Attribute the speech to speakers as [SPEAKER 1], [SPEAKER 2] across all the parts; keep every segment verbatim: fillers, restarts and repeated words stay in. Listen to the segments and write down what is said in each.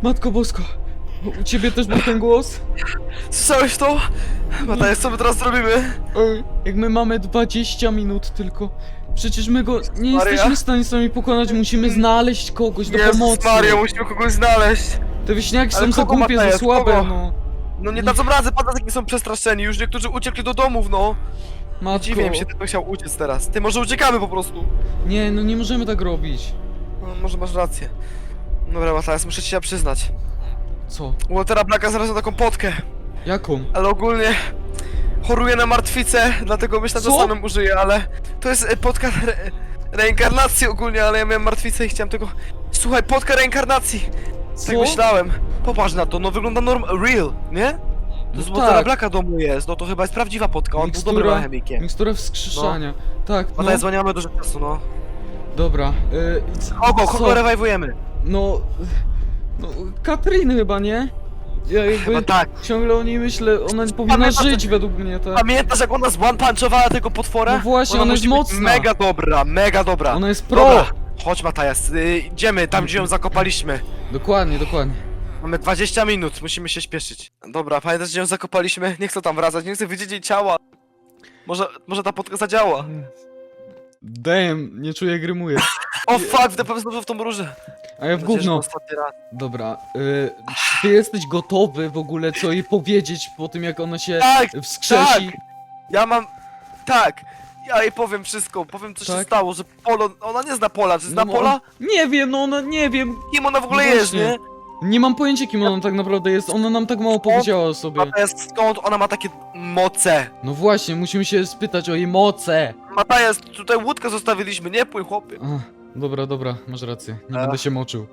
[SPEAKER 1] Matko Bosko, u ciebie też był ten głos?
[SPEAKER 2] Słyszałeś to? Matajas, co my teraz zrobimy?
[SPEAKER 1] Ej, jak my mamy dwadzieścia minut tylko. Przecież my go nie
[SPEAKER 2] Maria?
[SPEAKER 1] jesteśmy w stanie sami pokonać, musimy znaleźć kogoś do
[SPEAKER 2] Jezus
[SPEAKER 1] pomocy.
[SPEAKER 2] Maria, musimy kogoś znaleźć.
[SPEAKER 1] Te wieśniaki
[SPEAKER 2] Ale
[SPEAKER 1] są za
[SPEAKER 2] kogo,
[SPEAKER 1] głupie, za
[SPEAKER 2] Matajas,
[SPEAKER 1] słabe,
[SPEAKER 2] kogo?
[SPEAKER 1] no.
[SPEAKER 2] No nie dadzą rady, patatyki są przestraszeni, już niektórzy uciekli do domów, no.
[SPEAKER 1] Matko.
[SPEAKER 2] Dziwię mi się, ty chciał uciec teraz. Ty, może uciekamy po prostu.
[SPEAKER 1] Nie, no nie możemy tak robić.
[SPEAKER 2] No, może masz rację. Dobra, Matajas, muszę ci się przyznać.
[SPEAKER 1] Co?
[SPEAKER 2] U Waltera Blacka znalazłem taką potkę,
[SPEAKER 1] Jaką?
[SPEAKER 2] ale ogólnie choruję na martwicę, dlatego myślę, że
[SPEAKER 1] Co?
[SPEAKER 2] samym użyję, ale to jest e, potka re reinkarnacji ogólnie, ale ja miałem martwicę i chciałem tego... Słuchaj, potka reinkarnacji!
[SPEAKER 1] Co?
[SPEAKER 2] Tak myślałem. Popatrz na to, no wygląda norm... real, nie? To z
[SPEAKER 1] No
[SPEAKER 2] Waltera
[SPEAKER 1] tak.
[SPEAKER 2] Blacka domu jest, no to chyba jest prawdziwa potka, on był dobrym
[SPEAKER 1] Mikstura,
[SPEAKER 2] alchemikiem.
[SPEAKER 1] mikstura wskrzeszania. Tak,
[SPEAKER 2] No
[SPEAKER 1] no.
[SPEAKER 2] tak, dzwoniamy dużo czasu, no.
[SPEAKER 1] Dobra. Y, c-
[SPEAKER 2] Kogo,
[SPEAKER 1] co?
[SPEAKER 2] kogo rewajwujemy?
[SPEAKER 1] No... No, Katrin chyba, nie? Ja jakby
[SPEAKER 2] Chyba tak.
[SPEAKER 1] ciągle o niej myślę, ona powinna
[SPEAKER 2] Pamiętasz-
[SPEAKER 1] żyć według mnie, tak?
[SPEAKER 2] Pamiętasz jak ona zone-punchowała tego potwora?
[SPEAKER 1] No właśnie, ona jest
[SPEAKER 2] musi być
[SPEAKER 1] mocna.
[SPEAKER 2] mega dobra, mega dobra.
[SPEAKER 1] Ona jest pro!
[SPEAKER 2] Dobra, chodź Matajas, y, idziemy tam gdzie ją zakopaliśmy.
[SPEAKER 1] Dokładnie, dokładnie.
[SPEAKER 2] Mamy dwadzieścia minut, musimy się śpieszyć. Dobra, pamiętasz gdzie ją zakopaliśmy? Nie chcę tam wracać, nie chcę widzieć jej ciała. Może, może ta potka zadziała.
[SPEAKER 1] Damn, nie czuję, jak rymuję.
[SPEAKER 2] O fuck, wdepłem znowu w tą różę.
[SPEAKER 1] A ja w
[SPEAKER 2] Mam nadzieję, że to
[SPEAKER 1] gówno.
[SPEAKER 2] ostatni raz.
[SPEAKER 1] Dobra, y, czy ty jesteś gotowy w ogóle co jej powiedzieć po tym, jak ona się
[SPEAKER 2] Tak,
[SPEAKER 1] wskrzesi?
[SPEAKER 2] tak. Ja mam... Tak. Ja jej powiem wszystko, powiem co się
[SPEAKER 1] Tak?
[SPEAKER 2] stało, że Polo... Ona nie zna Pola, czy zna
[SPEAKER 1] No,
[SPEAKER 2] Pola?
[SPEAKER 1] Nie wiem, no ona, nie wiem.
[SPEAKER 2] Kim ona w ogóle
[SPEAKER 1] No
[SPEAKER 2] jest,
[SPEAKER 1] właśnie.
[SPEAKER 2] nie?
[SPEAKER 1] Nie mam pojęcia, kim ona tak naprawdę jest. Ona nam tak mało powiedziała o sobie.
[SPEAKER 2] Matajas, skąd ona ma takie moce?
[SPEAKER 1] No właśnie, musimy się spytać o jej moce.
[SPEAKER 2] Matajas, tutaj łódkę zostawiliśmy, nie płyń chłopie.
[SPEAKER 1] Ach, dobra, dobra, masz rację. Nie
[SPEAKER 2] A.
[SPEAKER 1] będę się moczył.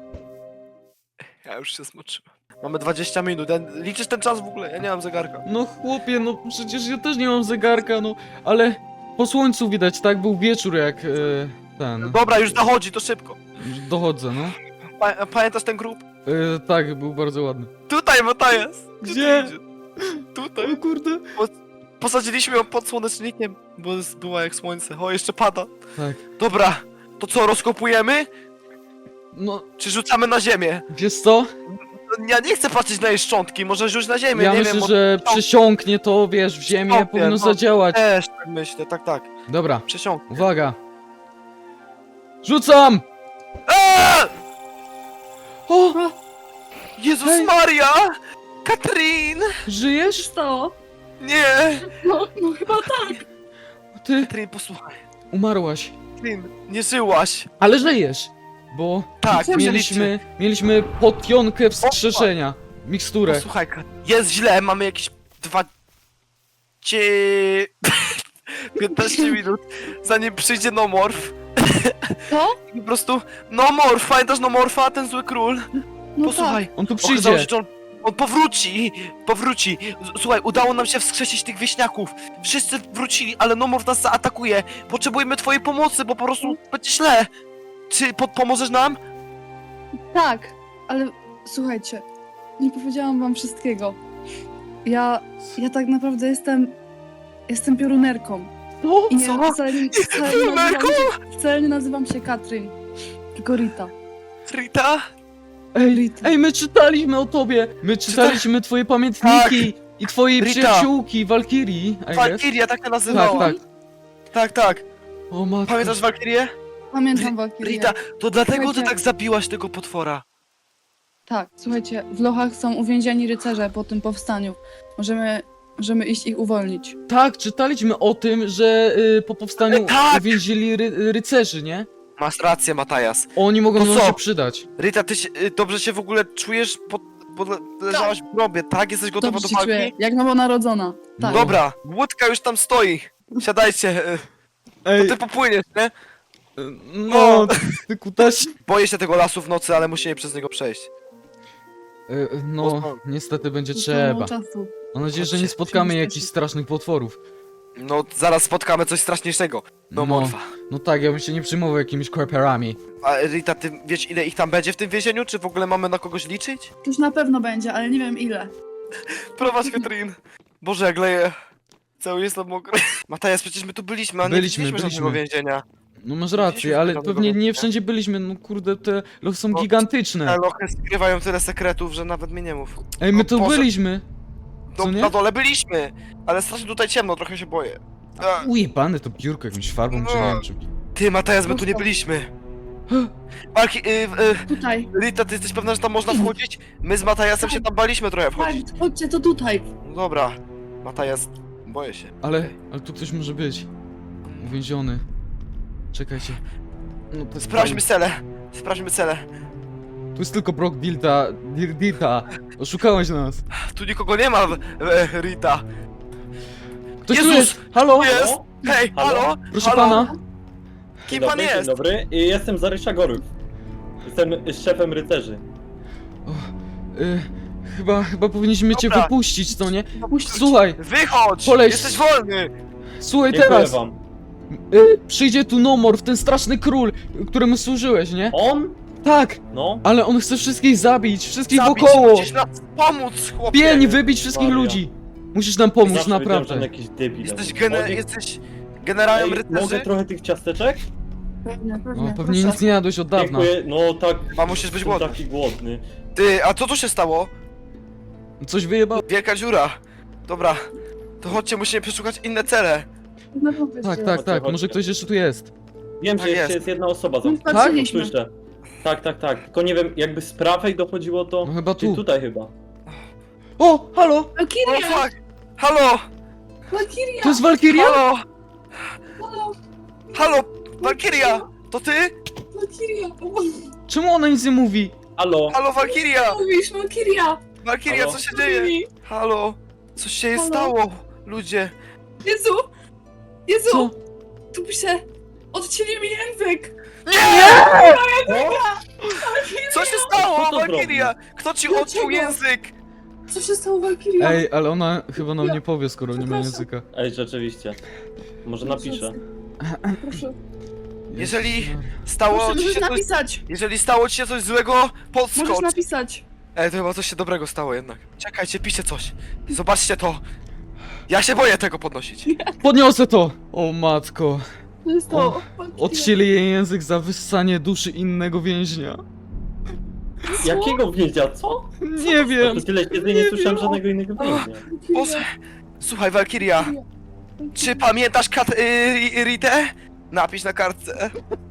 [SPEAKER 2] Ja już się zmoczyłem. Mamy dwadzieścia minut, ja... liczysz ten czas w ogóle? Ja nie mam zegarka.
[SPEAKER 1] No chłopie, no przecież ja też nie mam zegarka, no. Ale po słońcu widać, tak? Był wieczór jak e, ten.
[SPEAKER 2] Dobra, już zachodzi, to szybko.
[SPEAKER 1] Dochodzę, no.
[SPEAKER 2] Pa pamiętasz ten grób?
[SPEAKER 1] E, tak, był bardzo ładny.
[SPEAKER 2] Tutaj, Matajas!
[SPEAKER 1] Gdzie?
[SPEAKER 2] ty idziesz? Tutaj.
[SPEAKER 1] O kurde.
[SPEAKER 2] Posadziliśmy ją pod słonecznikiem, bo jest- była jak słońce. O, jeszcze pada.
[SPEAKER 1] Tak.
[SPEAKER 2] Dobra, to co, rozkopujemy?
[SPEAKER 1] No,
[SPEAKER 2] Czy rzucamy na ziemię?
[SPEAKER 1] wiesz co?
[SPEAKER 2] Ja nie chcę patrzeć na jej szczątki, może rzuć na ziemię,
[SPEAKER 1] Ja
[SPEAKER 2] nie
[SPEAKER 1] myślę,
[SPEAKER 2] wiem.
[SPEAKER 1] że przesiąknie to, wiesz, w ziemię,
[SPEAKER 2] Stopnie,
[SPEAKER 1] powinno
[SPEAKER 2] no.
[SPEAKER 1] zadziałać.
[SPEAKER 2] Też tak myślę, tak, tak.
[SPEAKER 1] Dobra,
[SPEAKER 2] Przesiąk.
[SPEAKER 1] uwaga. Rzucam!
[SPEAKER 2] Eee!
[SPEAKER 1] O!
[SPEAKER 2] Jezus
[SPEAKER 1] Hej.
[SPEAKER 2] Maria! Katrin!
[SPEAKER 1] Żyjesz?
[SPEAKER 3] Stało?
[SPEAKER 2] Nie!
[SPEAKER 3] No, no chyba tak.
[SPEAKER 1] Ty
[SPEAKER 2] Katrin, posłuchaj.
[SPEAKER 1] umarłaś.
[SPEAKER 2] Katrin, nie żyłaś.
[SPEAKER 1] Ale żyjesz! Bo
[SPEAKER 2] Tak,
[SPEAKER 3] Co
[SPEAKER 1] mieliśmy, mieliśmy potionkę wskrzeszenia. Miksturę.
[SPEAKER 2] Posłuchaj, Kat- jest źle, mamy jakieś dwa... Cie... piętnaście minut, zanim przyjdzie Nomorf.
[SPEAKER 3] Co?
[SPEAKER 2] I po prostu... Nomorf, pamiętasz Nomorfa, ten zły król?
[SPEAKER 3] No
[SPEAKER 2] Posłuchaj,
[SPEAKER 1] On tu
[SPEAKER 2] okazało
[SPEAKER 1] przyjdzie.
[SPEAKER 2] się, że on, on powróci, powróci. Z- Słuchaj, udało nam się wskrzesić tych wieśniaków. Wszyscy wrócili, ale Nomorf nas zaatakuje. Potrzebujemy twojej pomocy, bo po prostu będzie źle. Czy po pomożesz nam?
[SPEAKER 3] tak. Tak, ale słuchajcie, nie powiedziałam wam wszystkiego. Ja, ja tak naprawdę jestem, jestem piorunerką.
[SPEAKER 1] No,
[SPEAKER 3] I nie,
[SPEAKER 2] Co?
[SPEAKER 3] wcale, nie- wcale, nie
[SPEAKER 2] Piorunerką?
[SPEAKER 3] nazywam się, wcale nie nazywam się Katrin, tylko Rita.
[SPEAKER 2] Rita?
[SPEAKER 1] Ej,
[SPEAKER 3] Rita.
[SPEAKER 1] ej, my czytaliśmy o tobie. My czytaliśmy twoje pamiętniki i twojej
[SPEAKER 2] Rita.
[SPEAKER 1] przyjaciółki, Walkirii, I guess.
[SPEAKER 2] Walkiria, tak się
[SPEAKER 1] Tak,
[SPEAKER 2] nazywała.
[SPEAKER 1] tak.
[SPEAKER 2] tak, tak.
[SPEAKER 1] O matko.
[SPEAKER 2] Pamiętasz Walkirię?
[SPEAKER 3] Pamiętam Walkirię.
[SPEAKER 2] Rita, to dlatego ty
[SPEAKER 3] Słuchajcie.
[SPEAKER 2] tak zabiłaś tego potwora.
[SPEAKER 3] Tak, słuchajcie, w Lochach są uwięzieni rycerze po tym powstaniu. Możemy, możemy iść ich uwolnić.
[SPEAKER 1] Tak, czytaliśmy o tym, że y, po powstaniu
[SPEAKER 2] E, tak!
[SPEAKER 1] uwięzili ry rycerzy, nie?
[SPEAKER 2] Masz rację, Matajas.
[SPEAKER 1] Oni mogą
[SPEAKER 2] To
[SPEAKER 1] nam
[SPEAKER 2] co?
[SPEAKER 1] się przydać.
[SPEAKER 2] Rita, ty się, y, dobrze się w ogóle czujesz? Pod, pod, leżałaś w grobie, tak? Jesteś gotowa
[SPEAKER 3] Dobrze
[SPEAKER 2] do
[SPEAKER 3] się czuję,
[SPEAKER 2] walki?
[SPEAKER 3] jak nowonarodzona. Tak.
[SPEAKER 1] No.
[SPEAKER 2] Dobra, łódka już tam stoi. Siadajcie, y,
[SPEAKER 1] Ej,
[SPEAKER 2] to ty popłyniesz, nie?
[SPEAKER 1] no, ty kutaś.
[SPEAKER 2] Boję się tego lasu w nocy, ale musimy przez niego przejść.
[SPEAKER 1] Y, no, niestety będzie trzeba.
[SPEAKER 3] Czasu.
[SPEAKER 1] Mam nadzieję, że
[SPEAKER 2] Chodźcie,
[SPEAKER 1] nie spotkamy
[SPEAKER 3] musimy
[SPEAKER 1] jakichś
[SPEAKER 3] spieszyć.
[SPEAKER 1] strasznych potworów.
[SPEAKER 2] No, zaraz spotkamy coś straszniejszego. No, Morfa.
[SPEAKER 1] no tak, ja bym się nie przejmował jakimiś korperami.
[SPEAKER 2] A Rita, ty wiesz ile ich tam będzie w tym więzieniu? Czy w ogóle mamy na kogoś liczyć?
[SPEAKER 3] Już na pewno będzie, ale nie wiem ile.
[SPEAKER 2] Prowadź, Katrin. Boże, jak leję. Cały jestem mokry. Matajas, przecież my tu byliśmy, a nie
[SPEAKER 1] Byliśmy,
[SPEAKER 2] widzieliśmy żadnego
[SPEAKER 1] byliśmy.
[SPEAKER 2] więzienia.
[SPEAKER 1] No masz rację, ale pewnie nie wszędzie byliśmy, no kurde, te lochy są
[SPEAKER 2] No, Te
[SPEAKER 1] gigantyczne.
[SPEAKER 2] lochy skrywają tyle sekretów, że nawet mi nie mów.
[SPEAKER 1] Ej, my
[SPEAKER 2] o
[SPEAKER 1] tu
[SPEAKER 2] Boże.
[SPEAKER 1] byliśmy.
[SPEAKER 2] Do,
[SPEAKER 1] Co nie?
[SPEAKER 2] na dole byliśmy, ale strasznie tutaj ciemno, trochę się boję. A,
[SPEAKER 1] Ujebane to biurko jakimś farbą czy nie wiem czym.
[SPEAKER 2] ty, Matajas, my tu nie byliśmy. Walki, y, y,
[SPEAKER 3] Tutaj.
[SPEAKER 2] Rita, ty jesteś pewna, że tam można wchodzić? My z Matajasem się tam baliśmy trochę
[SPEAKER 3] Tak,
[SPEAKER 2] wchodzić.
[SPEAKER 3] chodźcie, to tutaj.
[SPEAKER 2] No dobra, Matajas, boję się.
[SPEAKER 1] Ale, ale tu ktoś może być. Uwięziony. Czekajcie. No to
[SPEAKER 2] Sprawdźmy cele, sprawdźmy cele.
[SPEAKER 1] Tu jest tylko Brock Dilta, Dir- Dirta. Oszukałeś nas.
[SPEAKER 2] Tu nikogo nie ma, w- w- Rita.
[SPEAKER 1] Ktoś tu
[SPEAKER 2] Jezus!
[SPEAKER 1] jest! Halo!
[SPEAKER 2] Jest! Hej,
[SPEAKER 4] Halo?
[SPEAKER 2] halo?
[SPEAKER 1] Proszę
[SPEAKER 2] halo?
[SPEAKER 1] pana.
[SPEAKER 2] Kim
[SPEAKER 4] Dzień
[SPEAKER 2] pan
[SPEAKER 4] dobry,
[SPEAKER 2] jest?
[SPEAKER 4] Dzień dobry, I jestem Zarysza Gorów. Jestem szefem rycerzy.
[SPEAKER 1] O, y, chyba, chyba powinniśmy cię
[SPEAKER 2] Dobra.
[SPEAKER 1] wypuścić, co nie?
[SPEAKER 3] Puść.
[SPEAKER 1] Słuchaj,
[SPEAKER 2] Wychodź!
[SPEAKER 1] Poleś-
[SPEAKER 2] Jesteś wolny!
[SPEAKER 1] słuchaj
[SPEAKER 4] Dziękuję
[SPEAKER 1] teraz!
[SPEAKER 4] wam.
[SPEAKER 1] Y, przyjdzie tu Nomorf, ten straszny król, któremu służyłeś, nie?
[SPEAKER 4] On?
[SPEAKER 1] Tak,
[SPEAKER 4] No.
[SPEAKER 1] ale on chce wszystkich zabić, wszystkich
[SPEAKER 2] Zabić,
[SPEAKER 1] wokoło!
[SPEAKER 2] musisz nam pomóc, chłopie!
[SPEAKER 1] Pień, wybić wszystkich
[SPEAKER 4] Maria.
[SPEAKER 1] ludzi! Musisz nam pomóc,
[SPEAKER 4] Zawsze wiedziałem, że on
[SPEAKER 1] naprawdę.
[SPEAKER 4] jakiś debil.
[SPEAKER 2] Jesteś, gene,
[SPEAKER 4] Mogę-
[SPEAKER 2] jesteś generałem
[SPEAKER 4] Ej, Mogę
[SPEAKER 2] rycerzy?
[SPEAKER 4] trochę tych ciasteczek?
[SPEAKER 3] Pewnie, pewnie.
[SPEAKER 1] No, pewnie
[SPEAKER 3] proszę.
[SPEAKER 1] nic nie jadłeś od dawna.
[SPEAKER 4] Dziękuję, no tak.
[SPEAKER 2] Chyba musisz być
[SPEAKER 4] jestem
[SPEAKER 2] głodny.
[SPEAKER 4] taki głodny.
[SPEAKER 2] Ty, a co tu się stało?
[SPEAKER 1] Coś wyjebało?
[SPEAKER 2] Wielka dziura. Dobra, to chodźcie, musimy przeszukać inne cele.
[SPEAKER 3] No, powiedzcie.
[SPEAKER 1] Tak, tak, tak,
[SPEAKER 4] Chodźcie,
[SPEAKER 1] może
[SPEAKER 4] chodźcie.
[SPEAKER 1] ktoś jeszcze tu jest.
[SPEAKER 4] Wiem,
[SPEAKER 2] Tak
[SPEAKER 4] że jeszcze
[SPEAKER 2] jest.
[SPEAKER 4] jest jedna osoba
[SPEAKER 3] No,
[SPEAKER 4] zamknięta.
[SPEAKER 3] patrzyliśmy.
[SPEAKER 4] Słyszę. Tak, tak, tak. Tylko nie wiem, jakby z prawej dochodziło to.
[SPEAKER 1] No chyba
[SPEAKER 4] Czy
[SPEAKER 1] tu.
[SPEAKER 4] tutaj chyba.
[SPEAKER 1] O, halo!
[SPEAKER 2] O
[SPEAKER 3] Valkyria!
[SPEAKER 2] fuck! Halo!
[SPEAKER 3] Valkyria!
[SPEAKER 1] To jest Valkyria?
[SPEAKER 2] Halo!
[SPEAKER 3] Halo!
[SPEAKER 2] Halo! Valkyria! To ty?
[SPEAKER 3] Valkyria!
[SPEAKER 1] Czemu ona nic nie mówi?
[SPEAKER 4] Halo?
[SPEAKER 2] Halo, Valkyria!
[SPEAKER 3] Mówisz, Valkyria!
[SPEAKER 2] Valkyria,
[SPEAKER 4] Halo?
[SPEAKER 2] co się dzieje? Halo! Coś się jej
[SPEAKER 3] Halo?
[SPEAKER 2] stało, ludzie!
[SPEAKER 3] Jezu! Jezu!
[SPEAKER 1] Co?
[SPEAKER 3] Tu pisze... Odcięli mi język!
[SPEAKER 2] Co się stało,
[SPEAKER 4] Kto to
[SPEAKER 2] Valkyria? Kto ci
[SPEAKER 3] Dlaczego?
[SPEAKER 2] odciął język?
[SPEAKER 3] Co się stało, Valkyria?
[SPEAKER 1] Ej, ale ona chyba nam nie powie, skoro nie ma
[SPEAKER 3] Przepraszam.
[SPEAKER 1] języka.
[SPEAKER 4] Ej, rzeczywiście. Może napiszę.
[SPEAKER 3] Proszę,
[SPEAKER 2] Jeżeli stało
[SPEAKER 3] proszę,
[SPEAKER 2] ci
[SPEAKER 3] możesz
[SPEAKER 2] się coś...
[SPEAKER 3] napisać!
[SPEAKER 2] Jeżeli stało ci się coś złego,
[SPEAKER 3] Możesz
[SPEAKER 2] podskocz!
[SPEAKER 3] napisać!
[SPEAKER 2] Ej, to chyba coś się dobrego stało jednak. Czekajcie, piszcie coś. Zobaczcie to. Ja się boję tego podnosić.
[SPEAKER 1] Podniosę to! O matko.
[SPEAKER 3] To jest to.
[SPEAKER 1] O,
[SPEAKER 3] Valkyria.
[SPEAKER 1] Odcięli jej język za wyssanie duszy innego więźnia.
[SPEAKER 4] Jakiego więźnia? Co?
[SPEAKER 1] Nie
[SPEAKER 4] Ja
[SPEAKER 1] wiem.
[SPEAKER 4] to tyle kiedy nie słyszałem żadnego innego więźnia.
[SPEAKER 2] Boże. Słuchaj, Valkyria, czy pamiętasz kat... Y, Ritę? Napisz na kartce.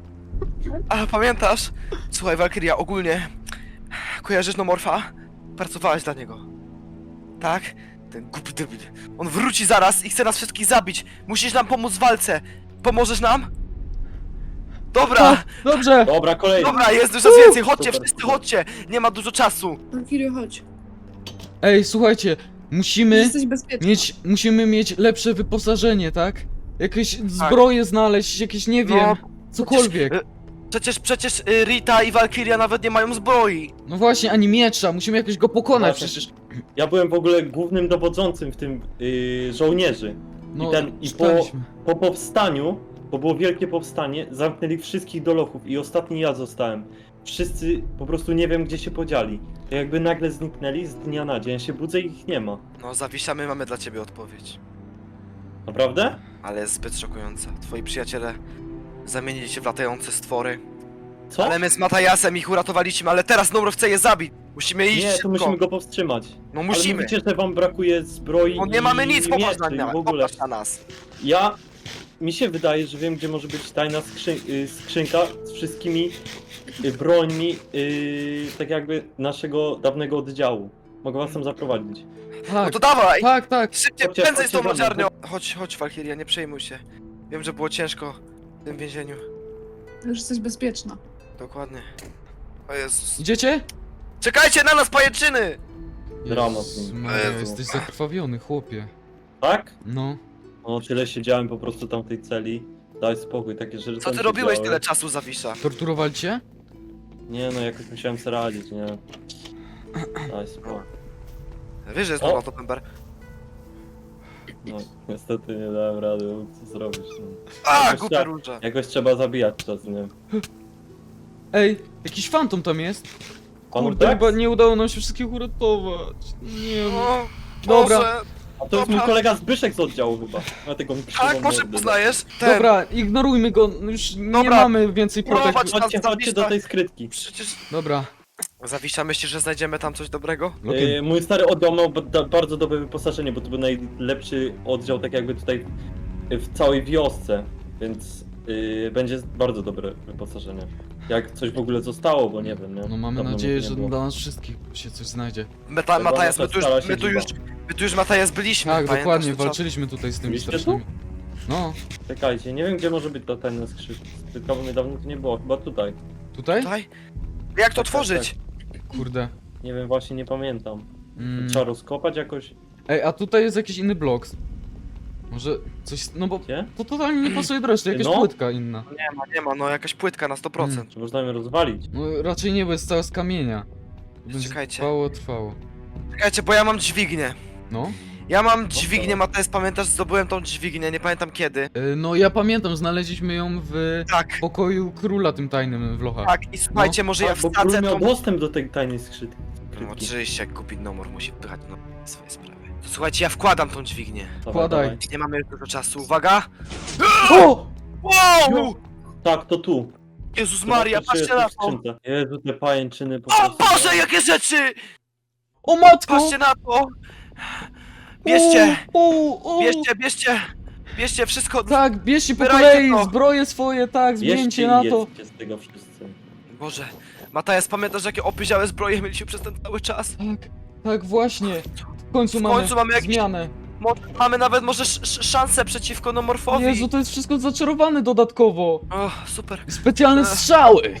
[SPEAKER 2] A, pamiętasz? Słuchaj, Valkyria, ogólnie... Kojarzysz Nomorfa? Pracowałaś dla niego. Tak? Ten głupi debil. On wróci zaraz i chce nas wszystkich zabić. Musisz nam pomóc w walce. Pomożesz nam? Dobra,
[SPEAKER 1] Tak, dobrze.
[SPEAKER 4] Dobra, kolejny.
[SPEAKER 2] dobra, jest już raz więcej. Chodźcie,
[SPEAKER 4] Super,
[SPEAKER 2] wszyscy
[SPEAKER 4] super.
[SPEAKER 2] chodźcie. Nie ma dużo czasu.
[SPEAKER 3] Valkyria, chodź.
[SPEAKER 1] Ej, słuchajcie, musimy
[SPEAKER 3] Jesteś bezpieczna.
[SPEAKER 1] mieć, musimy mieć lepsze wyposażenie, tak? Jakieś zbroje znaleźć, jakieś, nie wiem,
[SPEAKER 2] No,
[SPEAKER 1] cokolwiek.
[SPEAKER 2] przecież, Przecież, przecież y, Rita i Valkyria nawet nie mają zbroi.
[SPEAKER 1] No właśnie, ani miecza, musimy jakoś go pokonać
[SPEAKER 4] Właśnie.
[SPEAKER 1] przecież.
[SPEAKER 4] Ja byłem w ogóle głównym dowodzącym w tym yy, żołnierzy.
[SPEAKER 1] No,
[SPEAKER 4] I ten- i po-
[SPEAKER 1] czytaliśmy.
[SPEAKER 4] Po powstaniu, bo było wielkie powstanie, zamknęli wszystkich do lochów i ostatni ja zostałem. Wszyscy po prostu nie wiem gdzie się podzieli. To jakby nagle zniknęli z dnia na dzień. Ja się budzę i ich nie ma.
[SPEAKER 2] No, Zawisza, my mamy dla ciebie odpowiedź.
[SPEAKER 4] Naprawdę?
[SPEAKER 2] Ale jest zbyt szokująca. Twoi przyjaciele zamienili się w latające stwory.
[SPEAKER 4] Co?
[SPEAKER 2] Ale my z Matajasem ich uratowaliśmy, ale teraz Nomor chce je zabić. Musimy iść
[SPEAKER 4] Nie, to
[SPEAKER 2] szybko.
[SPEAKER 4] musimy go powstrzymać.
[SPEAKER 2] No
[SPEAKER 4] Ale
[SPEAKER 2] musimy.
[SPEAKER 4] mówicie, że wam brakuje zbroi
[SPEAKER 2] No
[SPEAKER 4] i
[SPEAKER 2] nie mamy nic, popatrz na,
[SPEAKER 4] mieczy i
[SPEAKER 2] mnie,
[SPEAKER 4] w ogóle.
[SPEAKER 2] popatrz na nas.
[SPEAKER 4] Ja... Mi się wydaje, że wiem gdzie może być tajna skrzyn y, skrzynka z wszystkimi y, brońmi y, tak jakby naszego dawnego oddziału. Mogę was tam zaprowadzić.
[SPEAKER 2] No
[SPEAKER 1] Tak,
[SPEAKER 2] to dawaj!
[SPEAKER 1] tak, tak.
[SPEAKER 2] Szybciej,
[SPEAKER 4] Chodźcie,
[SPEAKER 2] prędzej z tą
[SPEAKER 4] chodźcie za mną,
[SPEAKER 2] lodziarnią! Chodź, chodź, Valkyria, nie przejmuj się. Wiem, że było ciężko w tym więzieniu.
[SPEAKER 3] Już jesteś bezpieczna.
[SPEAKER 2] Dokładnie. O Jezus.
[SPEAKER 1] Idziecie?
[SPEAKER 2] Czekajcie na nas, pajęczyny!
[SPEAKER 4] Dramat.
[SPEAKER 1] Jezus Maria,
[SPEAKER 2] Jezu.
[SPEAKER 1] jesteś zakrwawiony, chłopie.
[SPEAKER 4] Tak?
[SPEAKER 1] No.
[SPEAKER 4] No tyle siedziałem po prostu tam w tej celi. Daj spokój, takie rzeczy
[SPEAKER 2] Co
[SPEAKER 4] tam
[SPEAKER 2] ty
[SPEAKER 4] się
[SPEAKER 2] robiłeś
[SPEAKER 4] działy.
[SPEAKER 2] tyle czasu, Zawisza?
[SPEAKER 1] Torturowali cię?
[SPEAKER 4] Nie no, jakoś musiałem sobie radzić, nie? Daj spokój.
[SPEAKER 2] Wiesz, że jest
[SPEAKER 4] O!
[SPEAKER 2] nowa to Pember.
[SPEAKER 4] No, niestety nie dałem rady, no, co zrobisz. No.
[SPEAKER 2] A,
[SPEAKER 4] Jakoś
[SPEAKER 2] głupia
[SPEAKER 4] trzeba-
[SPEAKER 2] róża.
[SPEAKER 4] Jakoś trzeba zabijać czas, nie?
[SPEAKER 1] Ej, jakiś fantom tam jest.
[SPEAKER 4] Panu
[SPEAKER 1] Kurde,
[SPEAKER 4] tak?
[SPEAKER 1] chyba nie udało nam się wszystkich uratować. Nie wiem.
[SPEAKER 2] O,
[SPEAKER 1] Dobra.
[SPEAKER 2] Boże.
[SPEAKER 4] A to jest mój
[SPEAKER 2] Dobra.
[SPEAKER 4] kolega Zbyszek z oddziału chyba. Dlatego mi krzywą
[SPEAKER 2] Tak, może
[SPEAKER 4] mordę.
[SPEAKER 2] poznajesz? Ten.
[SPEAKER 1] Dobra, ignorujmy go, już nie
[SPEAKER 2] Dobra.
[SPEAKER 1] mamy więcej
[SPEAKER 2] Prowadź
[SPEAKER 1] protek.
[SPEAKER 2] nas,
[SPEAKER 4] Chodźcie, chodźcie do
[SPEAKER 2] Zawisza.
[SPEAKER 4] tej skrytki.
[SPEAKER 2] Przecież...
[SPEAKER 1] Dobra.
[SPEAKER 2] Zawisza, myślisz, że znajdziemy tam coś dobrego?
[SPEAKER 1] Loki.
[SPEAKER 4] Yy, mój stary oddział miał ba- da- bardzo dobre wyposażenie, bo to był najlepszy oddział tak jakby tutaj w całej wiosce, więc yy, będzie bardzo dobre wyposażenie. Jak coś w ogóle zostało, bo nie wiem, nie?
[SPEAKER 1] No mamy
[SPEAKER 4] Dawno
[SPEAKER 1] nadzieję,
[SPEAKER 4] mnie nie
[SPEAKER 1] że
[SPEAKER 4] było.
[SPEAKER 1] dla nas wszystkich się coś znajdzie.
[SPEAKER 2] Meta,
[SPEAKER 4] Chyba
[SPEAKER 2] Matajas, my
[SPEAKER 4] nasza
[SPEAKER 2] tu już,
[SPEAKER 4] stara
[SPEAKER 2] my tu już,
[SPEAKER 4] siedziba.
[SPEAKER 2] my tu już Matajas byliśmy,
[SPEAKER 1] Tak,
[SPEAKER 2] pamiętasz
[SPEAKER 1] dokładnie,
[SPEAKER 2] ten czas?
[SPEAKER 1] walczyliśmy tutaj z tymi
[SPEAKER 4] Byliście tu?
[SPEAKER 1] strasznymi. No,
[SPEAKER 4] Czekajcie, nie wiem gdzie może być ta tajna skrzynka, bo mnie dawno tu nie było, chyba tutaj.
[SPEAKER 1] tutaj?
[SPEAKER 2] Tutaj? Jak to
[SPEAKER 4] Tak,
[SPEAKER 2] otworzyć?
[SPEAKER 1] Kurde.
[SPEAKER 4] Nie wiem, właśnie nie pamiętam.
[SPEAKER 1] Mm.
[SPEAKER 4] Trzeba rozkopać jakoś?
[SPEAKER 1] Ej, a tutaj jest jakiś inny blok. Może coś, no bo
[SPEAKER 4] Gdzie?
[SPEAKER 1] to totalnie nie pasuje do reszty, jakaś
[SPEAKER 4] No.
[SPEAKER 1] płytka inna.
[SPEAKER 2] Nie ma, nie ma, no jakaś płytka na sto procent.
[SPEAKER 4] Czy można ją rozwalić?
[SPEAKER 1] No raczej nie, bo jest cała z kamienia. Będzie
[SPEAKER 2] Czekajcie.
[SPEAKER 1] trwało, trwało.
[SPEAKER 2] Czekajcie, bo ja mam dźwignię.
[SPEAKER 1] No.
[SPEAKER 2] Ja mam dźwignię, Matajas, pamiętasz, zdobyłem tą dźwignię, nie pamiętam kiedy.
[SPEAKER 1] E, No ja pamiętam, znaleźliśmy ją w
[SPEAKER 2] Tak,
[SPEAKER 1] pokoju króla tym tajnym w lochach.
[SPEAKER 2] tak, i słuchajcie, może ja
[SPEAKER 4] A, bo
[SPEAKER 2] wsadzę
[SPEAKER 4] król miał
[SPEAKER 2] tą...
[SPEAKER 4] dostęp do tej tajnej skrzynki.
[SPEAKER 2] No oczywiście, jak kupić nomor, musi pychać no, swoje sprawy. To słuchajcie, ja wkładam tą dźwignię.
[SPEAKER 4] Dawaj,
[SPEAKER 1] Wkładaj.
[SPEAKER 4] dawaj.
[SPEAKER 2] Nie mamy już dużo czasu, uwaga!
[SPEAKER 1] O!
[SPEAKER 2] Wow!
[SPEAKER 4] Tak, to tu.
[SPEAKER 2] Jezus Maria,
[SPEAKER 4] Zobaczcie,
[SPEAKER 2] patrzcie
[SPEAKER 4] czy
[SPEAKER 2] na
[SPEAKER 4] jest w
[SPEAKER 2] to!
[SPEAKER 4] skrzynce. Jezu, te pajęczyny po
[SPEAKER 2] O
[SPEAKER 4] prostu.
[SPEAKER 2] Boże, jakie rzeczy!
[SPEAKER 1] O matko!
[SPEAKER 2] Patrzcie na to! Bierzcie,
[SPEAKER 1] O, o, o.
[SPEAKER 2] bierzcie, bierzcie! Bierzcie wszystko!
[SPEAKER 1] Tak, bierzcie po
[SPEAKER 2] Zbierajcie
[SPEAKER 1] kolei,
[SPEAKER 2] to.
[SPEAKER 1] zbroje swoje, tak,
[SPEAKER 4] Bierzcie
[SPEAKER 1] zmieńcie
[SPEAKER 4] i
[SPEAKER 1] na to.
[SPEAKER 4] jedzcie z tego wszyscy.
[SPEAKER 2] Boże, Matajas, pamiętasz jakie opyziałe zbroje mieliśmy przez ten cały czas?
[SPEAKER 1] Tak, tak właśnie. W końcu
[SPEAKER 2] W
[SPEAKER 1] mamy,
[SPEAKER 2] końcu mamy jakiś-
[SPEAKER 1] zmianę.
[SPEAKER 2] Mo mamy nawet może sz sz szansę przeciwko Nomorfowi.
[SPEAKER 1] Jezu, to jest wszystko zaczarowane dodatkowo.
[SPEAKER 2] O, super.
[SPEAKER 1] Specjalne
[SPEAKER 2] Ech.
[SPEAKER 1] strzały!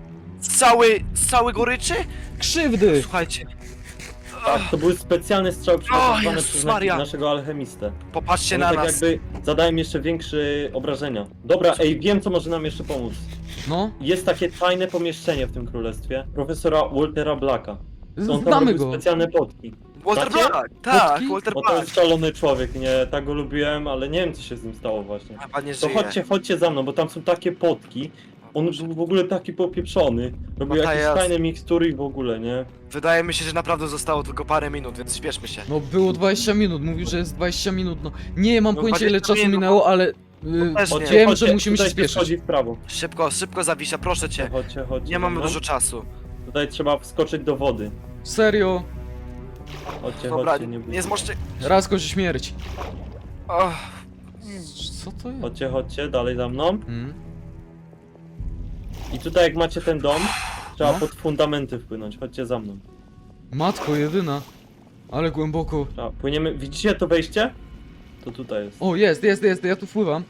[SPEAKER 2] Cały, cały goryczy?
[SPEAKER 1] Krzywdy!
[SPEAKER 2] Słuchajcie.
[SPEAKER 4] Tak, to były specjalne strzały przygotowane
[SPEAKER 2] Jezus
[SPEAKER 4] przez
[SPEAKER 2] Maria.
[SPEAKER 4] na naszego alchemistę.
[SPEAKER 2] Popatrzcie
[SPEAKER 4] One
[SPEAKER 2] na
[SPEAKER 4] tak
[SPEAKER 2] nas.
[SPEAKER 4] jakby zadają jeszcze większe obrażenia. Dobra, ej, wiem co może nam jeszcze pomóc.
[SPEAKER 1] No,
[SPEAKER 4] Jest takie tajne pomieszczenie w tym królestwie profesora Waltera Blacka. On tam
[SPEAKER 1] znamy
[SPEAKER 4] robił
[SPEAKER 1] go.
[SPEAKER 4] specjalne potki.
[SPEAKER 2] Walter
[SPEAKER 4] Znacie?
[SPEAKER 2] Black, tak,
[SPEAKER 1] Potki?
[SPEAKER 2] Walter
[SPEAKER 4] Bo to
[SPEAKER 2] Black.
[SPEAKER 4] jest szalony człowiek, nie? Tak go lubiłem, ale nie wiem co się z nim stało właśnie.
[SPEAKER 2] Chyba nie
[SPEAKER 4] To
[SPEAKER 2] żyje.
[SPEAKER 4] chodźcie, chodźcie za mną, bo tam są takie potki. On był w ogóle taki popieprzony. Robił jakieś
[SPEAKER 2] Matajas.
[SPEAKER 4] tajne mikstury i w ogóle, nie?
[SPEAKER 2] Wydaje mi się, że naprawdę zostało tylko parę minut, więc śpieszmy się.
[SPEAKER 1] No było dwadzieścia minut, mówił, że jest dwadzieścia minut, no. Nie mam
[SPEAKER 2] No
[SPEAKER 1] pojęcia ile
[SPEAKER 2] dwadzieścia
[SPEAKER 1] czasu
[SPEAKER 2] minut.
[SPEAKER 1] minęło, ale... y,
[SPEAKER 2] też nie.
[SPEAKER 1] wiem, że musimy się
[SPEAKER 4] tutaj
[SPEAKER 1] spieszyć.
[SPEAKER 4] Chodzi w prawo.
[SPEAKER 2] Szybko, szybko Zawisza, proszę cię.
[SPEAKER 4] Chodźcie, chodźcie.
[SPEAKER 2] Nie mamy
[SPEAKER 4] za mną.
[SPEAKER 2] dużo czasu.
[SPEAKER 4] Tutaj trzeba wskoczyć do wody.
[SPEAKER 1] Serio,
[SPEAKER 4] Chodźcie,
[SPEAKER 2] Dobra,
[SPEAKER 4] chodźcie, nie
[SPEAKER 2] nie
[SPEAKER 4] bójcie.
[SPEAKER 2] zmożcie...
[SPEAKER 1] raz kości śmierć.
[SPEAKER 2] Och,
[SPEAKER 1] Co to jest?
[SPEAKER 4] Chodźcie, chodźcie, dalej za mną.
[SPEAKER 1] Hmm?
[SPEAKER 4] I tutaj jak macie ten dom, trzeba
[SPEAKER 1] No.
[SPEAKER 4] pod fundamenty wpłynąć. Chodźcie za mną.
[SPEAKER 1] Matko jedyna. Ale głęboko.
[SPEAKER 4] Trzeba, płyniemy, widzicie to wejście? To tutaj jest.
[SPEAKER 1] O, jest, jest, jest, ja tu wpływam.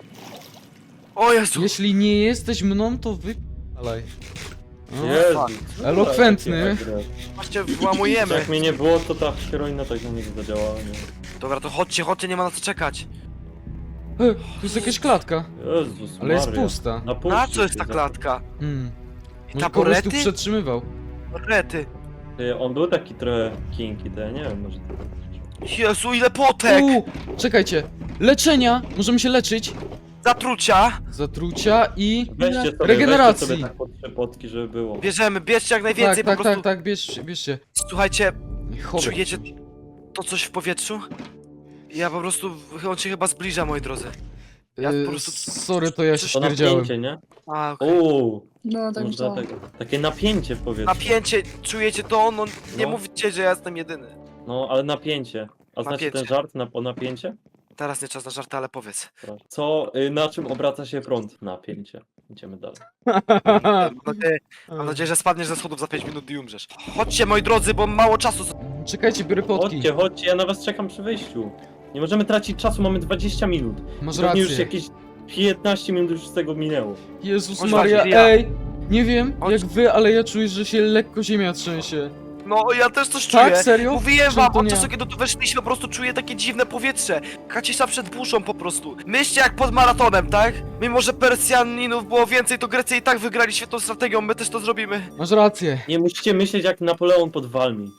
[SPEAKER 2] o Jezu!
[SPEAKER 1] Jeśli nie jesteś mną, to wy... Alej. No.
[SPEAKER 4] Jezu,
[SPEAKER 2] fuck.
[SPEAKER 4] co
[SPEAKER 1] Elokwentny.
[SPEAKER 4] takie agres.
[SPEAKER 2] Właśnie włamujemy.
[SPEAKER 4] Jak mnie nie było, to ta heroina tak na niego zadziałała, nie?
[SPEAKER 2] Dobra, to chodźcie, chodźcie, nie ma na co czekać.
[SPEAKER 1] E, tu jest jakaś klatka,
[SPEAKER 4] Jezus
[SPEAKER 1] ale jest
[SPEAKER 4] Maria.
[SPEAKER 1] pusta.
[SPEAKER 4] Napuśćcie
[SPEAKER 2] Na co jest
[SPEAKER 4] się
[SPEAKER 2] ta
[SPEAKER 4] za-
[SPEAKER 2] klatka?
[SPEAKER 1] Hmm.
[SPEAKER 2] I
[SPEAKER 1] Może kogoś tu
[SPEAKER 2] taborety?
[SPEAKER 1] przetrzymywał.
[SPEAKER 2] Rety.
[SPEAKER 4] Ty, On był taki trochę kinky, to ja nie wiem, może...
[SPEAKER 2] Jezu, ile potek!
[SPEAKER 1] U, czekajcie. Leczenia! Możemy się leczyć.
[SPEAKER 2] Zatrucia!
[SPEAKER 1] Zatrucia i...
[SPEAKER 4] Weźcie sobie,
[SPEAKER 1] Regeneracji.
[SPEAKER 4] weźcie sobie tak pod trzy potki, żeby było.
[SPEAKER 2] Bierzemy, bierzcie jak
[SPEAKER 1] Tak,
[SPEAKER 2] najwięcej,
[SPEAKER 1] tak,
[SPEAKER 2] po prostu...
[SPEAKER 1] tak, tak, bierzcie, bierzcie.
[SPEAKER 2] Słuchajcie,
[SPEAKER 1] Chowaj.
[SPEAKER 2] czujecie to coś w powietrzu? Ja po prostu, on się chyba zbliża, moi drodzy. Ja
[SPEAKER 1] Y,
[SPEAKER 2] po prostu-
[SPEAKER 1] Sorry, to ja się
[SPEAKER 4] To
[SPEAKER 1] śmierdziałem.
[SPEAKER 4] napięcie, nie?
[SPEAKER 2] A, okej.
[SPEAKER 4] Uuu,
[SPEAKER 3] No tak
[SPEAKER 4] może
[SPEAKER 3] myślałam.
[SPEAKER 4] dlatego. Takie napięcie w powietrzu.
[SPEAKER 2] Napięcie, czujecie to? No nie
[SPEAKER 4] No.
[SPEAKER 2] mówcie, że ja jestem jedyny.
[SPEAKER 4] No, ale napięcie. A znacie
[SPEAKER 2] Napięcie.
[SPEAKER 4] ten żart na, o napięcie?
[SPEAKER 2] Teraz nie czas na żarty, ale powiedz.
[SPEAKER 4] Proszę. Co, y, na czym obraca się prąd? Napięcie. Idziemy dalej.
[SPEAKER 2] Mam nadzieję, mam nadzieję, że spadniesz ze schodów za pięć minut i umrzesz. Chodźcie, moi drodzy, bo mało czasu.
[SPEAKER 1] Czekajcie, biorę potki.
[SPEAKER 4] Chodźcie, chodźcie, ja na was czekam przy wyjściu. Nie możemy tracić czasu, mamy dwadzieścia minut.
[SPEAKER 1] Masz
[SPEAKER 4] Pewnie już
[SPEAKER 1] rację.
[SPEAKER 4] jakieś piętnaście minut już z tego minęło.
[SPEAKER 1] Jezus
[SPEAKER 2] Chodź,
[SPEAKER 1] Maria,
[SPEAKER 2] Walkiria.
[SPEAKER 1] ej! Nie wiem
[SPEAKER 2] Chodź.
[SPEAKER 1] jak wy, ale ja czuję, że się lekko ziemia trzęsie.
[SPEAKER 2] No, ja też coś
[SPEAKER 1] Tak,
[SPEAKER 2] czuję.
[SPEAKER 1] serio?
[SPEAKER 2] Mówiłem
[SPEAKER 1] Czemu
[SPEAKER 2] wam,
[SPEAKER 1] to
[SPEAKER 2] od
[SPEAKER 1] nie?
[SPEAKER 2] czasu kiedy tu weszliśmy, po prostu czuję takie dziwne powietrze. Kacisza przed burzą po prostu. Myślcie jak pod maratonem, tak? Mimo, że Persjaninów było więcej, to Grecy i tak wygrali świetną strategią, my też to zrobimy.
[SPEAKER 1] Masz rację.
[SPEAKER 4] Nie musicie myśleć jak Napoleon pod Walmi.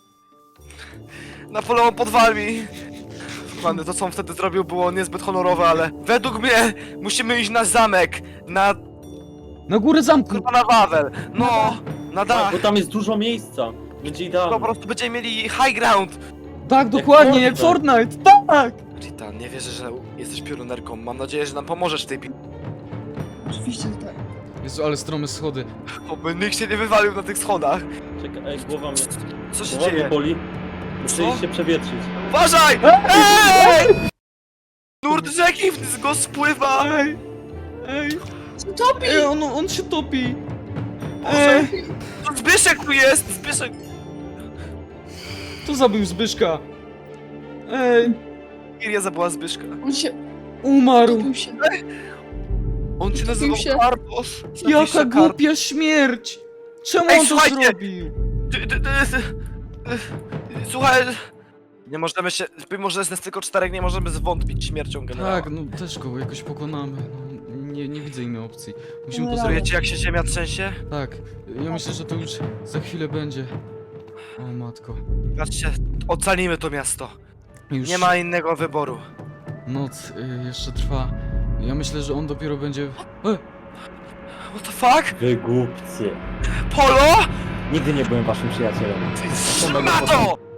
[SPEAKER 2] Napoleon pod wami. Pany, to co on wtedy zrobił było niezbyt honorowe, ale według mnie musimy iść na zamek, na
[SPEAKER 1] Na górę zamku!
[SPEAKER 2] kurwa na Wawel. No, na
[SPEAKER 4] Tak,
[SPEAKER 2] dach.
[SPEAKER 4] bo tam jest dużo miejsca. Będzie
[SPEAKER 2] Po
[SPEAKER 4] idealnie.
[SPEAKER 2] prostu będziemy mieli high ground.
[SPEAKER 1] Tak, dokładnie, jak
[SPEAKER 4] Fortnite.
[SPEAKER 1] Fortnite, tak!
[SPEAKER 2] Rita, nie wierzę, że jesteś piorunerką. Mam nadzieję, że nam pomożesz w tej bitwie.
[SPEAKER 3] Oczywiście, że tak.
[SPEAKER 1] Jezu, ale strome schody.
[SPEAKER 2] Oby nikt się nie wywalił na tych schodach.
[SPEAKER 4] Czekaj, ej, głowa mnie,
[SPEAKER 2] Co się
[SPEAKER 4] głowa mnie
[SPEAKER 2] dzieje?
[SPEAKER 4] boli. Muszę
[SPEAKER 2] Co?
[SPEAKER 4] iść się przewietrzyć.
[SPEAKER 2] Uważaj! Ej! Nurt rzeki z go spływa!
[SPEAKER 1] Ej, ej,
[SPEAKER 3] Topi!
[SPEAKER 1] ej, on, on się topi.
[SPEAKER 2] Boże,
[SPEAKER 1] Ej,
[SPEAKER 2] to Zbyszek tu jest! Zbyszek!
[SPEAKER 1] kto zabił Zbyszka? Ej,
[SPEAKER 2] Iria zabyła Zbyszka.
[SPEAKER 3] On się...
[SPEAKER 1] umarł.
[SPEAKER 3] Topił się.
[SPEAKER 2] On cię
[SPEAKER 3] Topił
[SPEAKER 2] nazywał
[SPEAKER 3] się.
[SPEAKER 2] Karpos.
[SPEAKER 1] Jaka
[SPEAKER 2] Zapiszę
[SPEAKER 1] głupia śmierć! Czemu
[SPEAKER 2] Ej,
[SPEAKER 1] on to
[SPEAKER 2] słuchajcie!
[SPEAKER 1] zrobił?
[SPEAKER 2] Ty- ty- ty- ty- Słuchaj... Nie możemy się... Mimo, że jest nas tylko czterech, nie możemy zwątpić śmiercią generała.
[SPEAKER 1] Tak, no też go jakoś pokonamy. No, nie, nie widzę innej opcji. Musimy to
[SPEAKER 3] Generał.
[SPEAKER 1] zrobić.
[SPEAKER 2] Czujecie, jak się ziemia trzęsie?
[SPEAKER 1] Tak, ja myślę, że to już za chwilę będzie. O matko.
[SPEAKER 2] Patrzcie, ocalimy to miasto.
[SPEAKER 1] Już
[SPEAKER 2] Nie ma innego wyboru.
[SPEAKER 1] noc y, jeszcze trwa. Ja myślę, że on dopiero będzie... E,
[SPEAKER 2] What the fuck?
[SPEAKER 4] Wy głupcy.
[SPEAKER 2] Polo?
[SPEAKER 4] Nigdy nie byłem waszym przyjacielem.
[SPEAKER 2] Ty, na to!